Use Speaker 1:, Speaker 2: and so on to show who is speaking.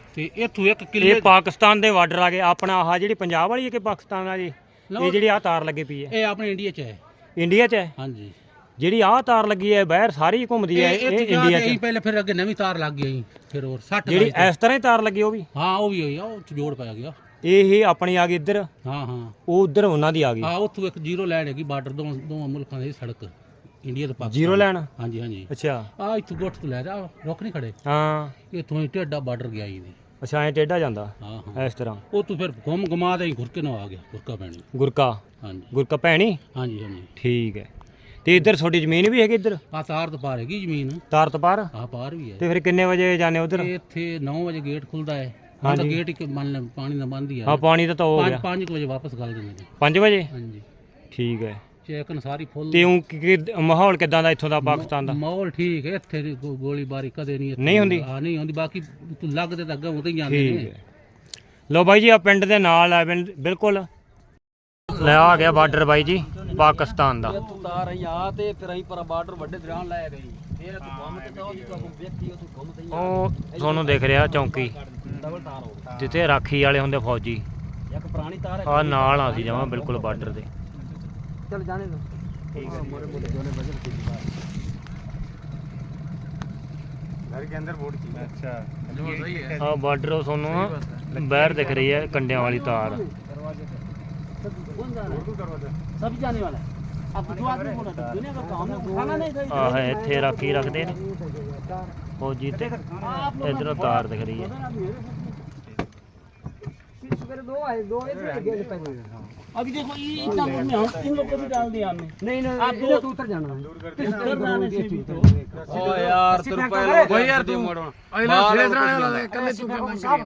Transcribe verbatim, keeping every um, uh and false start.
Speaker 1: ਤੇ ਇਥੋਂ ਇੱਕ ਕਿਲੇ
Speaker 2: ਇਹ ਪਾਕਿਸਤਾਨ ਦੇ ਬਾਰਡਰ ਆ ਗਏ। ਆਪਣਾ ਆਹ ਜਿਹੜੀ ਪੰਜਾਬ ਵਾਲੀ ਹੈ ਕਿ ਪਾਕਿਸਤਾਨ ਆ ਜੀ? ਇਹ ਜਿਹੜੀ ਆਹ ਤਾਰ ਲੱਗੀ ਪਈ ਹੈ
Speaker 1: ਇਹ ਆਪਣੇ ਇੰਡੀਆ 'ਚ ਹੈ।
Speaker 2: ਇੰਡੀਆ 'ਚ ਹੈ?
Speaker 1: ਹਾਂਜੀ।
Speaker 2: ਜਿਹੜੀ ਆਹ ਤਾਰ ਲੱਗੀ ਹੈ ਬਾਹਰ ਸਾਰੀ ਘੁੰਮਦੀ ਹੈ, ਇਹ ਇੰਡੀਆ 'ਚ?
Speaker 1: ਪਹਿਲੇ ਫਿਰ ਅੱਗੇ ਨਵੀਂ ਤਾਰ ਲੱਗ ਗਈ ਫਿਰ ਹੋਰ ਸੱਠ
Speaker 2: ਜਿਹੜੀ ਇਸ ਤਰ੍ਹਾਂ ਹੀ ਤਾਰ ਲੱਗੀ ਉਹ ਵੀ?
Speaker 1: ਹਾਂ ਉਹ ਵੀ ਹੋਈ ਆ, ਉਹ 'ਚ ਜੋੜ ਪੈ ਗਿਆ।
Speaker 2: ਇਹ ਆਪਣੀ ਆ ਗਈ ਇੱਧਰ?
Speaker 1: ਹਾਂ ਹਾਂ
Speaker 2: ਉਹ ਉਧਰ ਉਹਨਾਂ ਦੀ ਆ ਗਈ।
Speaker 1: ਹਾਂ ਉੱਥੋਂ ਇੱਕ ਜ਼ੀਰੋ ਲਾਈਨ ਹੈਗੀ ਬਾਰਡਰ ਦੋਵਾਂ ਦੋਵਾਂ ਮੁਲਕਾਂ ਦੀ ਸੜਕ, ਇੰਡੀਆ ਤੇ ਪਾਕਿਸਤਾਨ।
Speaker 2: Zero line?
Speaker 1: ਹਾਂਜੀ ਹਾਂਜੀ।
Speaker 2: ਅੱਛਾ।
Speaker 1: ਆ ਇੱਥੋਂ ਗੁੱਟ ਤੋਂ ਲੈ ਜਾ, ਰੁਕ ਨਹੀਂ ਖੜੇ।
Speaker 2: ਹਾਂ
Speaker 1: ਇੱਥੋਂ ਹੀ ਟੇਡਾ ਬਾਰਡਰ ਗਿਆ ਹੀ ਨਹੀਂ।
Speaker 2: ਅੱਛਾ ਐ ਟੇਢਾ ਜਾਂਦਾ?
Speaker 1: ਹਾਂ ਹਾਂ
Speaker 2: ਇਸ ਤਰ੍ਹਾਂ
Speaker 1: ਉਹ ਤੂੰ ਫਿਰ ਘੁੰਮ ਘੁਮਾ ਦੇ ਘੁਰਕੇ ਨੂੰ ਆ ਗਿਆ, ਗੁਰਕਾ ਪੈਣੀ।
Speaker 2: ਗੁਰਕਾ?
Speaker 1: ਹਾਂਜੀ
Speaker 2: ਗੁਰਕਾ ਭੈਣੀ?
Speaker 1: ਹਾਂਜੀ ਹਾਂਜੀ।
Speaker 2: ਠੀਕ ਹੈ। ਤੇ ਇੱਧਰ ਤੁਹਾਡੀ ਜ਼ਮੀਨ ਵੀ ਹੈਗੀ ਇੱਧਰ?
Speaker 1: ਆ ਤਾਰ ਤੋਂ ਪਾਰ ਹੈਗੀ ਜ਼ਮੀਨ।
Speaker 2: ਤਾਰ ਤੋਂ ਪਾਰ?
Speaker 1: ਆ ਪਾਰ ਵੀ ਹੈ।
Speaker 2: ਤੇ ਫਿਰ ਕਿੰਨੇ ਵਜੇ ਜਾਂਦੇ ਉਧਰ?
Speaker 1: ਇੱਥੇ ਨੌ ਵਜੇ ਗੇਟ ਖੁੱਲਦਾ ਹੈ।
Speaker 2: ਹਾਂਜੀ।
Speaker 1: ਗੇਟ ਇੱਕ ਮੰਨ ਲੈ ਪਾਣੀ ਦਾ ਬੰਦ ਹੀ ਹੈ।
Speaker 2: ਹਾਂ ਪਾਣੀ ਦਾ ਤਾਂ ਹੋ ਗਿਆ।
Speaker 1: ਪੰਜ ਵਜੇ ਵਾਪਸ ਗੱਲ ਦਿੰਦੇ ਨੇ।
Speaker 2: ਪੰਜ ਵਜੇ?
Speaker 1: ਹਾਂਜੀ
Speaker 2: ਠੀਕ ਹੈ।
Speaker 1: ਚੈਕਨ ਸਾਰੀ ਫੁੱਲ।
Speaker 2: ਤੇ ਉਹ ਮਾਹੌਲ ਕਿਦਾਂ ਦਾ ਇੱਥੋਂ ਦਾ ਪਾਕਿਸਤਾਨ ਦਾ?
Speaker 1: ਮਾਹੌਲ ਠੀਕ ਹੈ ਇੱਥੇ ਦੀ ਗੋਲੀਬਾਰੀ ਕਦੇ ਨਹੀਂ
Speaker 2: ਨਹੀਂ ਹੁੰਦੀ?
Speaker 1: ਹਾਂ ਨਹੀਂ ਹੁੰਦੀ। ਬਾਕੀ ਤੂੰ ਲੱਗਦੇ ਤਾਂ ਅੱਗੇ ਉਤੇ ਹੀ ਜਾਂਦੇ
Speaker 2: ਠੀਕ
Speaker 1: ਨੇ।
Speaker 2: ਹੈ। ਲੋ ਬਾਈ ਜੀ ਆ ਪਿੰਡ ਦੇ ਨਾਲ ਆ ਬਿਲਕੁਲ। ਲੈ ਆ ਗਿਆ ਬਾਰਡਰ ਬਾਈ ਜੀ ਪਾਕਿਸਤਾਨ ਦਾ।
Speaker 3: ਤੂੰ ਤਾਰ ਆਈ ਆ ਤੇ ਫਿਰ ਅਸੀਂ ਪਰ ਬਾਰਡਰ ਵੱਡੇ ਦਰਿਆਣ ਲੈ ਗਈ। ਫਿਰ ਤੂੰ ਘੁੰਮ ਕੇ ਤਾਂ ਉਹ ਤੂੰ ਵੇਖੀ ਉਹ ਤੂੰ ਘੁੰਮ ਤੇ
Speaker 2: ਉਹ ਤੁਹਾਨੂੰ ਦਿਖ ਰਿਹਾ ਚੌਂਕੀ
Speaker 3: ਡਬਲ ਤਾਰ ਹੋ
Speaker 2: ਜਿੱਥੇ ਰਾਖੀ ਵਾਲੇ ਹੁੰਦੇ ਫੌਜੀ।
Speaker 3: ਇੱਕ ਪੁਰਾਣੀ ਤਾਰ ਹੈ।
Speaker 2: ਆ ਨਾਲ ਆ ਸੀ ਜਮਾਂ ਬਿਲਕੁਲ ਬਾਰਡਰ ਦੇ।
Speaker 3: ਚੱਲ ਜਾਣੇ ਦੋ। ਠੀਕ ਹੈ। ਮੋਰੇ ਮੋਰੇ ਜੋਨੇ ਵਜਨ ਕੀਤੀ ਬਾਤ घर के अंदर बोर्ड की। अच्छा जो सही है।
Speaker 2: ਆ ਬਾਰਡਰ ਉਹ ਤੁਹਾਨੂੰ ਬਾਹਰ ਦਿਖ ਰਹੀ ਹੈ ਕੰਡਿਆਂ ਵਾਲੀ ਤਾਰ।
Speaker 3: दरवाजे पे कौन जा रहा है? दरवाजा सब जाने वाला है। अब दो आदमी बोला था दुनिया का काम है खाना नहीं था।
Speaker 2: ਆਹ ਇੱਥੇ ਰਾਖੀ ਰੱਖਦੇ ਨੇ ਫੌਜੀ ਤੇ ਇਧਰੋਂ ਤਾਰ ਦਿਖ ਰਹੀ ਹੈ।
Speaker 3: दो आए दो इधर अभी देखो ये इतना दूर में हम इन लोग को भी डाल दिया हमने। नहीं नहीं आप दो तो उतर जाना है। उतर जाने से भी तो ओ यार तेरे पहले भाई यार तू अगला शेष रहने वाला है कल तू